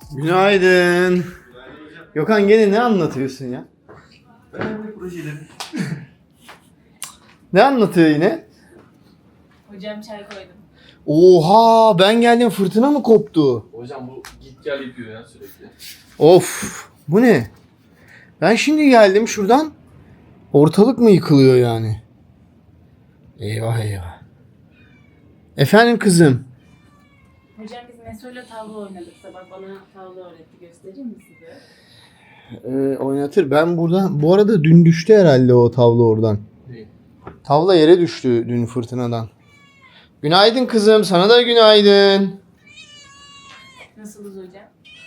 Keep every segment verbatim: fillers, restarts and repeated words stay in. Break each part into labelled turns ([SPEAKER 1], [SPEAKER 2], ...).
[SPEAKER 1] Günaydın. Gökhan gene ne anlatıyorsun ya?
[SPEAKER 2] Önemli projeleri.
[SPEAKER 1] Ne anlatıyor yine?
[SPEAKER 3] Hocam çay koydum.
[SPEAKER 1] Oha, ben geldim fırtına mı koptu?
[SPEAKER 2] Hocam bu git gel yapıyor ya sürekli.
[SPEAKER 1] Of, bu ne? Ben şimdi geldim şuradan. Ortalık mı yıkılıyor yani? Eyvah eyvah. Efendim kızım.
[SPEAKER 3] Hocam biz Meso'yla tavla oynadık sabah. Bana tavla öğretti. Göstereyim mi size?
[SPEAKER 1] Ee, oynatır. Ben buradan, bu arada dün düştü herhalde o tavla oradan.
[SPEAKER 2] Değil.
[SPEAKER 1] Tavla yere düştü dün fırtınadan. Günaydın kızım. Sana da günaydın.
[SPEAKER 3] Nasılız hocam?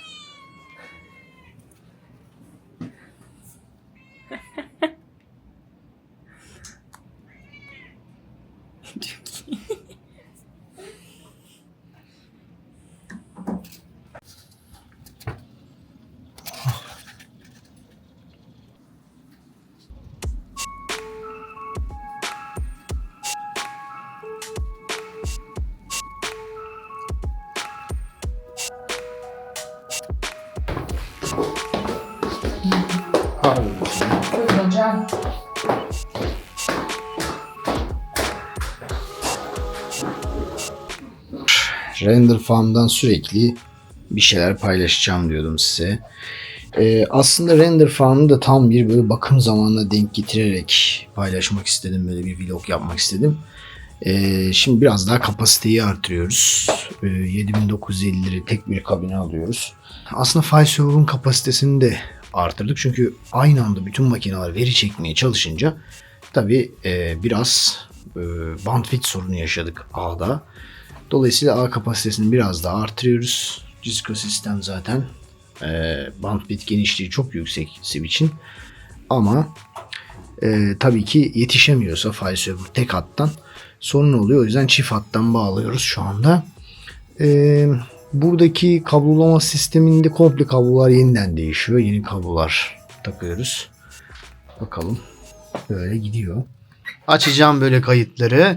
[SPEAKER 4] Buyurun hocam.
[SPEAKER 1] Render Farm'dan sürekli bir şeyler paylaşacağım diyordum size. Ee, aslında Render Farm'ı da tam bir böyle bakım zamanına denk getirerek paylaşmak istedim. Böyle bir vlog yapmak istedim. Ee, şimdi biraz daha kapasiteyi artırıyoruz. Ee, yedi bin dokuz yüz elli lira tek bir kabine alıyoruz. Aslında file server'ın kapasitesini de artırdık. Çünkü aynı anda bütün makineler veri çekmeye çalışınca tabii e, biraz e, bandwidth sorunu yaşadık ağda. Dolayısıyla ağ kapasitesini biraz daha artırıyoruz. Cisco sistem zaten e, bandwidth genişliği çok yüksek switch'in. Ama e, tabii ki yetişemiyorsa file server tek hattan sorun oluyor. O yüzden çift hattan bağlıyoruz şu anda. E, buradaki kablolama sisteminde komple kablolar yeniden değişiyor. Yeni kablolar takıyoruz. Bakalım. Böyle gidiyor. Açacağım böyle kayıtları.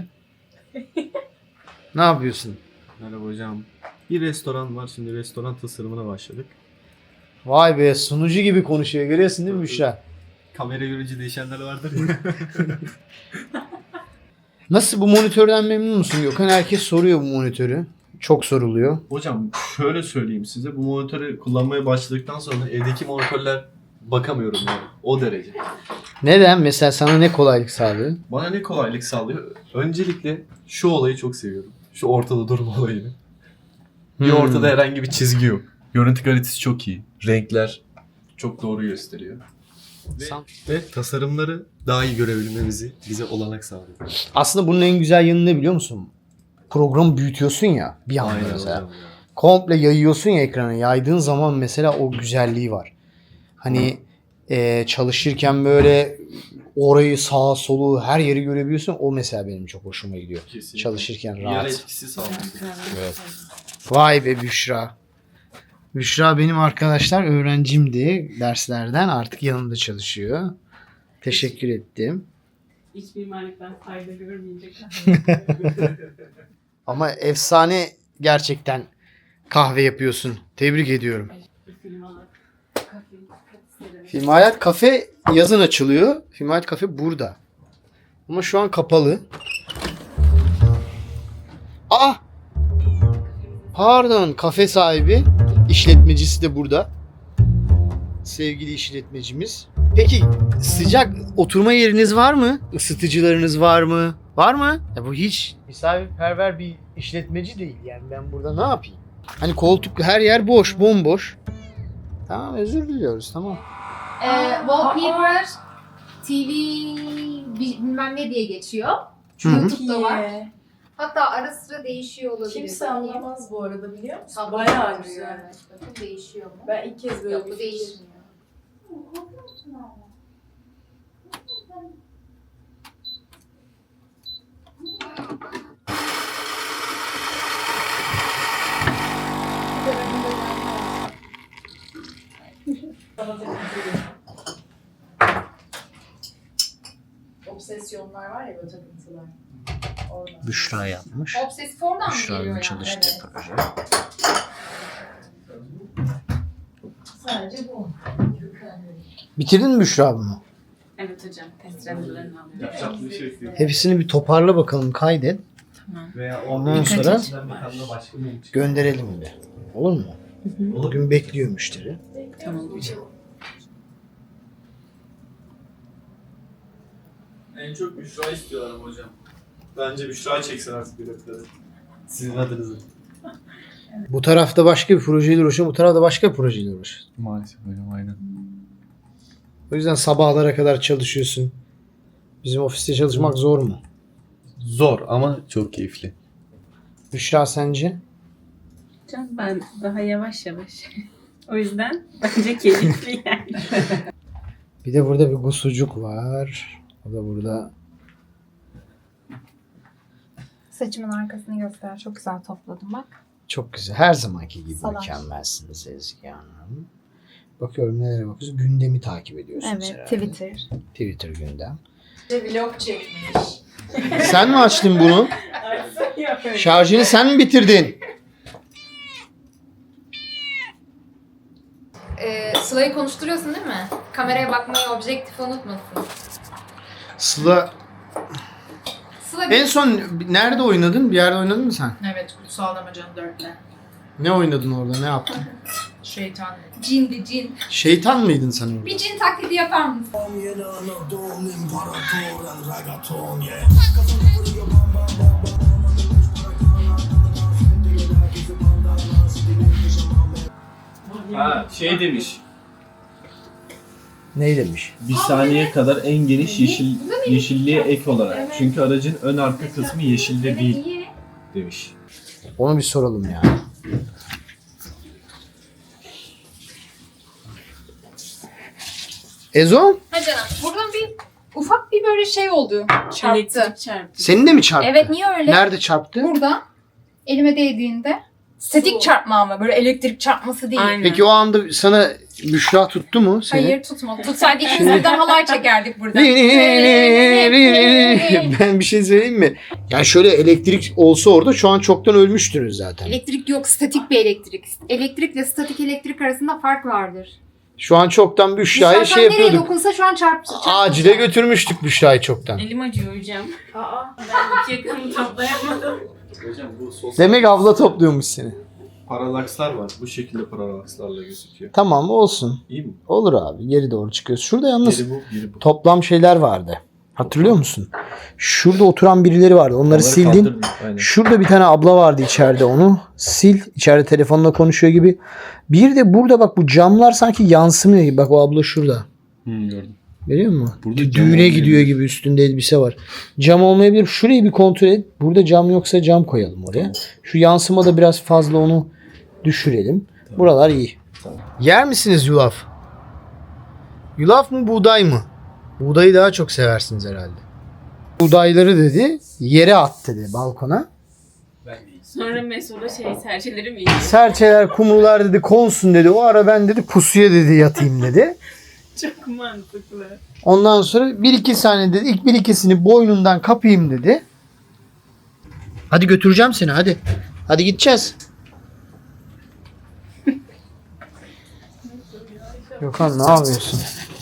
[SPEAKER 1] Ne yapıyorsun?
[SPEAKER 2] Merhaba hocam. Bir restoran var. Şimdi restoran tasarımına başladık.
[SPEAKER 1] Vay be, sunucu gibi konuşuyor. Görüyorsun değil mi Büşra?
[SPEAKER 2] Kamera görünce değişenler vardır ya.
[SPEAKER 1] Nasıl, bu monitörden memnun musun Gökhan? Herkes soruyor bu monitörü. Çok soruluyor.
[SPEAKER 2] Hocam şöyle söyleyeyim size. Bu monitörü kullanmaya başladıktan sonra evdeki monitörler bakamıyorum yani. O derece.
[SPEAKER 1] Neden? Mesela sana ne kolaylık sağlıyor?
[SPEAKER 2] Bana ne kolaylık sağlıyor? Öncelikle şu olayı çok seviyorum. Şu ortada durma olayını. Bir
[SPEAKER 1] Hmm.
[SPEAKER 2] ortada herhangi bir çizgi yok. Görüntü kalitesi çok iyi. Renkler çok doğru gösteriyor. Ve,
[SPEAKER 1] Sam-
[SPEAKER 2] ve tasarımları daha iyi görebilmemizi bize olanak sağlıyor.
[SPEAKER 1] Aslında bunun en güzel yanı ne biliyor musun? Programı büyütüyorsun ya bir anda
[SPEAKER 2] Aynen
[SPEAKER 1] mesela.
[SPEAKER 2] hocam ya.
[SPEAKER 1] Komple yayıyorsun ya ekrana. Yaydığın zaman mesela o güzelliği var. Hani e, çalışırken böyle orayı, sağa solu, her yeri görebiliyorsun. O mesela benim çok hoşuma gidiyor.
[SPEAKER 2] Kesinlikle.
[SPEAKER 1] Çalışırken
[SPEAKER 2] Yer
[SPEAKER 1] rahat.
[SPEAKER 2] etkisi sağlıyor.
[SPEAKER 1] Evet. Vay be Büşra. Büşra benim arkadaşlar öğrencimdi derslerden. Artık yanımda çalışıyor. Teşekkür ettim.
[SPEAKER 3] İç mimarlıktan fayda görmeyecek.
[SPEAKER 1] Ama efsane gerçekten kahve yapıyorsun. Tebrik ediyorum.
[SPEAKER 3] Film olarak. Kafe. Kafe.
[SPEAKER 1] Film Hayat Kafe yazın açılıyor. Film Hayat Kafe burada. Ama şu an kapalı. Aa! Pardon, kafe sahibi, işletmecisi de burada. Sevgili işletmecimiz. Peki sıcak oturma yeriniz var mı? Isıtıcılarınız var mı? Var mı? Ya bu hiç misafirperver bir işletmeci değil. Yani ben burada ne yapayım? Hani koltuk, her yer boş, bomboş. Tamam, özür diliyoruz, tamam.
[SPEAKER 4] Ee, wallpaper, T V bilmem ne diye geçiyor.
[SPEAKER 1] Hı hı.
[SPEAKER 4] YouTube'da var. Hatta ara sıra değişiyor olabilir.
[SPEAKER 5] Kimse anlamaz bu arada, biliyor musun?
[SPEAKER 4] Tablo
[SPEAKER 5] Bayağı
[SPEAKER 4] var
[SPEAKER 5] güzel.
[SPEAKER 4] yani. Bakın değişiyor mu?
[SPEAKER 5] Ben ilk kez böyle
[SPEAKER 4] Yok
[SPEAKER 5] bir
[SPEAKER 4] bu
[SPEAKER 5] fikir.
[SPEAKER 4] değişmiyor.
[SPEAKER 5] Obsesyonlar var ya, böyle takıntılar. Oradan.
[SPEAKER 1] Büşra yapmış.
[SPEAKER 4] Obsesif oradan mı geliyor
[SPEAKER 1] Büşra'nın
[SPEAKER 4] yani?
[SPEAKER 1] çalıştığı
[SPEAKER 5] Evet.
[SPEAKER 1] proje. Bitirdin mi Büşra bunu?
[SPEAKER 3] Evet hocam. Test renderlarını alıyorum.
[SPEAKER 2] Yapacak bir şey yok.
[SPEAKER 1] Hepsini bir toparla bakalım, kaydet.
[SPEAKER 3] Tamam.
[SPEAKER 2] Veya
[SPEAKER 1] Ondan
[SPEAKER 2] Birkaç
[SPEAKER 1] sonra
[SPEAKER 2] içinden bir tane de başka bir çıkıyor.
[SPEAKER 1] gönderelim de. Olur mu? Bugün bekliyor müşteri.
[SPEAKER 3] Tamam hocam.
[SPEAKER 2] En çok Büşra istiyorlar ama hocam. Bence Büşra çeksin artık biletleri. Sizin adınızı.
[SPEAKER 1] Bu tarafta başka bir projeyle uğraşıyor, bu tarafta başka bir projeyle uğraşıyor.
[SPEAKER 2] Maalesef hocam aynen.
[SPEAKER 1] O yüzden sabahlara kadar çalışıyorsun. Bizim ofiste çalışmak zor mu?
[SPEAKER 2] Zor ama çok keyifli.
[SPEAKER 1] Büşra sence?
[SPEAKER 3] Hocam ben daha yavaş yavaş. O yüzden bence keyifli yani.
[SPEAKER 1] Bir de burada bir gusucuk var. O da burada.
[SPEAKER 4] Saçımın arkasını göster. Çok güzel topladım bak.
[SPEAKER 1] Çok güzel. Her zamanki gibi
[SPEAKER 4] Salaş.
[SPEAKER 1] mükemmelsiniz Ezgi Hanım. Bakıyorum nelere bakıyorsunuz. Gündemi takip ediyorsunuz
[SPEAKER 4] Evet,
[SPEAKER 1] herhalde.
[SPEAKER 4] Twitter.
[SPEAKER 1] Twitter gündem.
[SPEAKER 5] Vlog çekmiş.
[SPEAKER 1] Sen mi açtın bunu? Şarjını sen mi bitirdin?
[SPEAKER 4] Ee, Sıla'yı konuşturuyorsun değil mi? Kameraya bakmayı, objektifi unutmasın.
[SPEAKER 1] Sıla
[SPEAKER 4] Sıla
[SPEAKER 1] en son nerede oynadın? Bir yerde oynadın mı sen?
[SPEAKER 5] Evet, Kutsal Damacan dörtle.
[SPEAKER 1] Ne oynadın orada? Ne yaptın?
[SPEAKER 5] Şeytan.
[SPEAKER 4] cindi cin.
[SPEAKER 1] Şeytan mıydın sen orada?
[SPEAKER 4] Bir cin taklidi yapar mısın?
[SPEAKER 2] Ha şey demiş.
[SPEAKER 1] Ne demiş?
[SPEAKER 2] Bir saniye kadar en geniş yeşil yeşilliğe ek olarak. Çünkü aracın ön arka kısmı yeşilde değil
[SPEAKER 4] iyi.
[SPEAKER 2] demiş.
[SPEAKER 1] Onu bir soralım ya. Ezo?
[SPEAKER 4] Ha canım, buradan bir ufak bir böyle şey oldu. Çarptı.
[SPEAKER 3] Elektrik çarptı.
[SPEAKER 1] Senin de mi çarptı?
[SPEAKER 4] Evet, niye öyle?
[SPEAKER 1] Nerede çarptı?
[SPEAKER 4] Burada elime değdiğinde statik çarpma ama böyle elektrik çarpması değil.
[SPEAKER 3] Aynen.
[SPEAKER 1] Peki o anda sana Büşra tuttu mu seni?
[SPEAKER 4] Hayır tutmadı. Tutsaydı ikimiz birden halay çekerdik burada.
[SPEAKER 1] Ben bir şey söyleyeyim mi? Yani şöyle elektrik olsa orada şu an çoktan ölmüştünüz zaten.
[SPEAKER 4] Elektrik yok, statik bir elektrik. Elektrikle statik elektrik arasında fark vardır.
[SPEAKER 1] Şu an çoktan Büşra'yı
[SPEAKER 4] Dışarıdan
[SPEAKER 1] şey
[SPEAKER 4] nereye
[SPEAKER 1] yapıyorduk.
[SPEAKER 4] dokunsa şu an çarp. çarp-
[SPEAKER 1] Acile götürmüştük Büşra'yı çoktan.
[SPEAKER 3] Elim acıyor hocam.
[SPEAKER 5] Aa.
[SPEAKER 3] Ben iki yakını toplayamadım.
[SPEAKER 2] Hocam bu sosyal
[SPEAKER 1] Demek abla topluyormuş seni.
[SPEAKER 2] paralakslar var. Bu şekilde paralakslarla gözüküyor.
[SPEAKER 1] Tamam olsun.
[SPEAKER 2] İyi mi?
[SPEAKER 1] Olur abi geri doğru çıkıyoruz. Şurada yalnız
[SPEAKER 2] Biri bu, biri bu.
[SPEAKER 1] toplam şeyler vardı. Hatırlıyor musun? Şurada oturan birileri vardı. Onları,
[SPEAKER 2] Onları
[SPEAKER 1] sildin.
[SPEAKER 2] kaldırdım, aynen.
[SPEAKER 1] Şurada bir tane abla vardı içeride, onu sil. İçeride telefonla konuşuyor gibi. Bir de burada bak bu camlar sanki yansımıyor gibi. Bak o abla şurada.
[SPEAKER 2] Hı, gördüm.
[SPEAKER 1] Görüyor musun?
[SPEAKER 2] Burada
[SPEAKER 1] Dü-
[SPEAKER 2] cam
[SPEAKER 1] Düğüne
[SPEAKER 2] olmayabilir.
[SPEAKER 1] gidiyor gibi üstünde elbise var. Cam olmayabilir. Şurayı bir kontrol et. Burada cam yoksa cam koyalım oraya. Şu yansıma da biraz fazla, onu düşürelim. Buralar iyi.
[SPEAKER 2] Tamam.
[SPEAKER 1] Yer misiniz yulaf? Yulaf mı buğday mı? Buğdayı daha çok seversiniz herhalde. Buğdayları dedi yere at dedi balkona.
[SPEAKER 3] Sonra Meso'da şey serçeleri mi yiyor?
[SPEAKER 1] Serçeler, kumrular dedi konsun dedi. O ara ben dedi pusuya dedi yatayım dedi.
[SPEAKER 3] Çok mantıklı.
[SPEAKER 1] Ondan sonra bir iki saniye dedi. İlk bir ikisini boynundan kapayım dedi. Hadi götüreceğim seni hadi. Hadi gideceğiz. Gökhan ne yapıyorsun?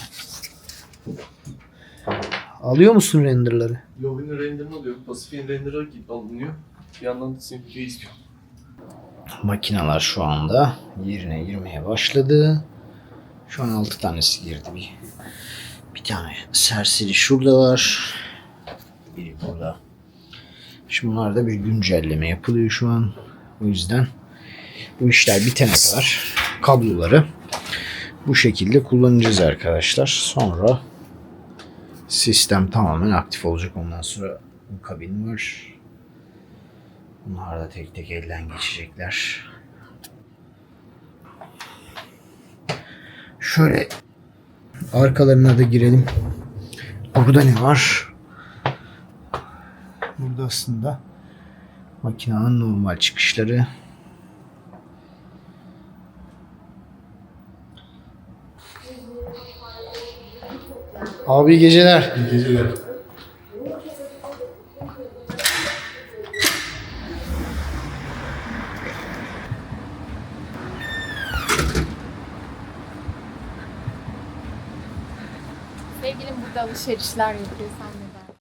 [SPEAKER 1] Alıyor musun renderları?
[SPEAKER 2] Yovin renderını alıyor. Pasifik'in renderı alınıyor. Bir yandan da Simplifi'yi istiyor.
[SPEAKER 1] Makineler şu anda yerine girmeye başladı. Şu an altı tanesi girdi. Bir, bir tane serseri şurada var. Biri burada. Şimdi bunlarda bir güncelleme yapılıyor şu an. O yüzden bu işler bitene kadar kabloları bu şekilde kullanacağız arkadaşlar. Sonra sistem tamamen aktif olacak. Ondan sonra bu kabin var. Bunlar da tek tek elden geçecekler. Şöyle arkalarına da girelim. Burada ne var? Burada aslında makinenin normal çıkışları. Abi iyi geceler.
[SPEAKER 2] İyi geceler.
[SPEAKER 4] evde alışverişler yapıyor sen neden?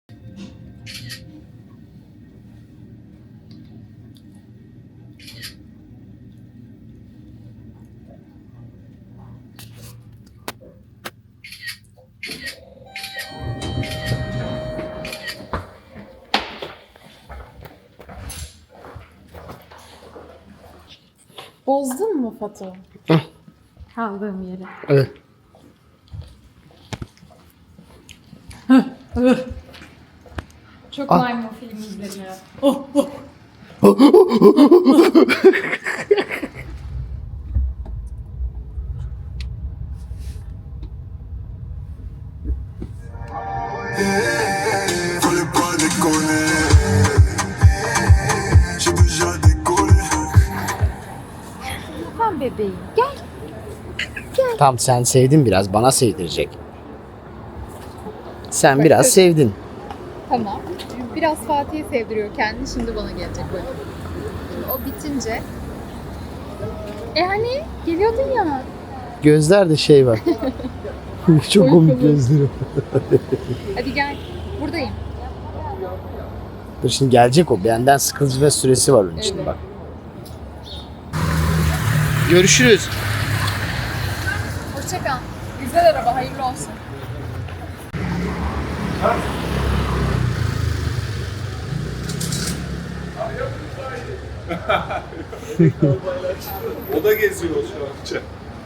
[SPEAKER 4] Bozdun mu Fatu? Kaldığım yeri.
[SPEAKER 1] Evet.
[SPEAKER 4] Çok
[SPEAKER 1] Ah.
[SPEAKER 4] maymun filmi izledim.
[SPEAKER 6] Fallait pas déconner. J'ai déjà décollé.
[SPEAKER 4] Tamam bebeğim. Gel.
[SPEAKER 1] Tamam sen sevdin biraz. Bana sevdirecek. Sen biraz sevdin.
[SPEAKER 4] Tamam. Biraz Fatih'e sevdiriyor kendini. Şimdi bana gelecek böyle. Şimdi o bitince. E hani geliyordun ya.
[SPEAKER 1] Gözlerde şey var. Çok komik gözleri.
[SPEAKER 4] Hadi gel. Buradayım.
[SPEAKER 1] Dur şimdi gelecek o. Benden sıkıcı ve süresi var onun için
[SPEAKER 4] Evet.
[SPEAKER 1] bak. Görüşürüz.
[SPEAKER 4] Hoşça kal. Güzel araba. Hayırlı olsun.
[SPEAKER 2] O da geziyor şu an.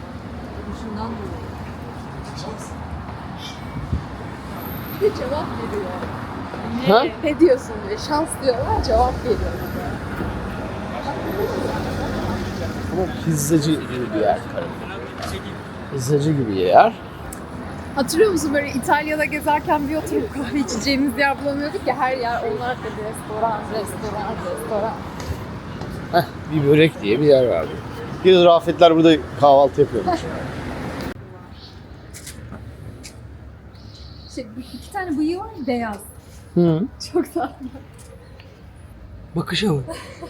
[SPEAKER 4] Bir de cevap veriyor.
[SPEAKER 1] Ha?
[SPEAKER 4] Ne diyorsun diye. Şans diyorlar. Cevap veriyor.
[SPEAKER 1] Ama pizzacı gibi bir yer. Pizzacı gibi bir yer.
[SPEAKER 4] Hatırlıyor musun böyle İtalya'da gezerken bir oturup kahve içeceğimiz yer bulamıyorduk ya, her yer onlar da restoran, restoran, restoran.
[SPEAKER 1] Heh, bir börek diye bir yer vardı. Bir Rafetler burada kahvaltı yapıyormuş.
[SPEAKER 4] Şey, iki tane bıyığı var ya, beyaz.
[SPEAKER 1] Hı.
[SPEAKER 4] Çok tatlı.
[SPEAKER 1] Bakışa bak.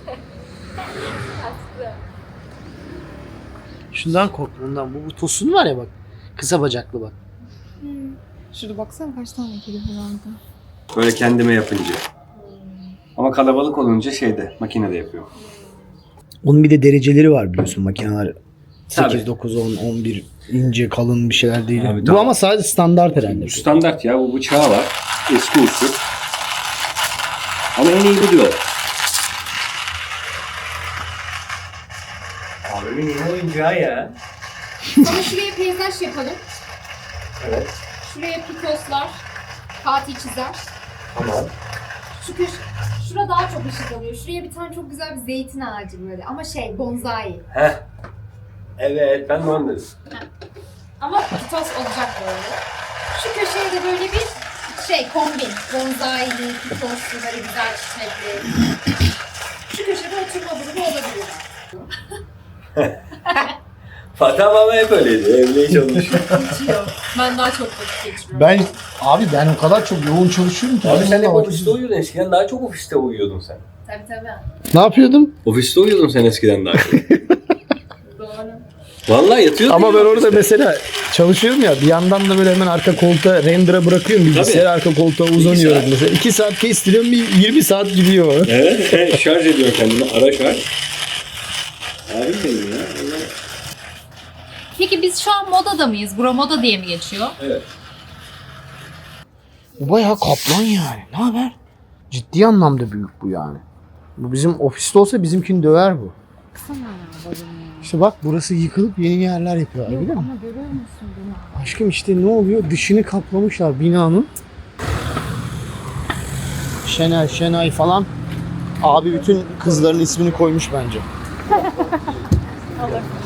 [SPEAKER 1] Şundan kork bundan. Bu, bu tosun var ya bak. Kısa bacaklı bak.
[SPEAKER 4] Şurada baksana kaç tane kedi herhalde.
[SPEAKER 7] Böyle kendime yapınca. Ama kalabalık olunca şeyde, makinede yapıyorum.
[SPEAKER 1] Onun bir de dereceleri var biliyorsun makineler.
[SPEAKER 7] Tabii.
[SPEAKER 1] sekiz, dokuz, on, on bir ince kalın bir şeyler değil.
[SPEAKER 7] Abi,
[SPEAKER 1] bu
[SPEAKER 7] tamam.
[SPEAKER 1] ama sadece standart herhalde.
[SPEAKER 7] Bu standart ya, bu bıçağı var. Eski usul. Ama en iyi bu diyor. Abimin yeni oyuncağı ya.
[SPEAKER 4] Ama şuraya peyzaj yapalım.
[SPEAKER 7] Evet.
[SPEAKER 4] Şuraya pikoslar, Fatih çizer.
[SPEAKER 7] Tamam.
[SPEAKER 4] Şu köşe, şura daha çok ışık alıyor. Şuraya bir tane çok güzel bir zeytin ağacı böyle ama şey bonsai.
[SPEAKER 7] Heh. Evet, ben de onu dedim.
[SPEAKER 4] Ama pitos olacak böyle. Şu köşeye de böyle bir şey kombin. Bonsaili, pitoslu, böyle güzel çiçekli. Şu köşede oturma grubu olabilir.
[SPEAKER 7] Fatih ama hep öyleydi. Evliye çalışıyor.
[SPEAKER 5] Ben daha çok vakit geçiriyorum.
[SPEAKER 1] Ben abi ben o kadar çok yoğun çalışıyorum ki.
[SPEAKER 7] Abi
[SPEAKER 1] benim
[SPEAKER 7] sen hep
[SPEAKER 1] vallahi vakit-
[SPEAKER 7] ofiste uyuyordun. Eskiden daha çok ofiste uyuyordun sen.
[SPEAKER 4] Tabii tabii.
[SPEAKER 1] Ne yapıyordum?
[SPEAKER 7] Ofiste uyuyordun sen eskiden daha çok.
[SPEAKER 5] Doğru.
[SPEAKER 7] Vallahi yatıyordun.
[SPEAKER 1] Ama
[SPEAKER 7] ya
[SPEAKER 1] ben orada
[SPEAKER 7] ofiste.
[SPEAKER 1] mesela çalışıyorum ya bir yandan da böyle hemen arka koltuğa render'a bırakıyorum bilgisayarı, arka koltuğa uzanıyorum
[SPEAKER 7] saat.
[SPEAKER 1] mesela. iki saat kestiriyorum bir yirmi saat gidiyor.
[SPEAKER 7] Evet, sen şarj ediyorsun kendini. Ara şarj. Abim benim ya. Allah.
[SPEAKER 8] Peki biz şu an modada mıyız? Bura moda diye mi geçiyor?
[SPEAKER 7] Evet.
[SPEAKER 1] Bu bayağı kaplan yani. Ne haber? Ciddi anlamda büyük bu yani. Bu bizim ofiste olsa bizimkini döver bu. İşte bak burası yıkılıp yeni yerler yapıyorlar biliyor musun?
[SPEAKER 4] Ama görüyor musun bunu?
[SPEAKER 1] Aşkım işte ne oluyor? Dışını kaplamışlar binanın. Şenay, Şenay falan. Abi bütün kızların ismini koymuş bence.
[SPEAKER 4] Olur.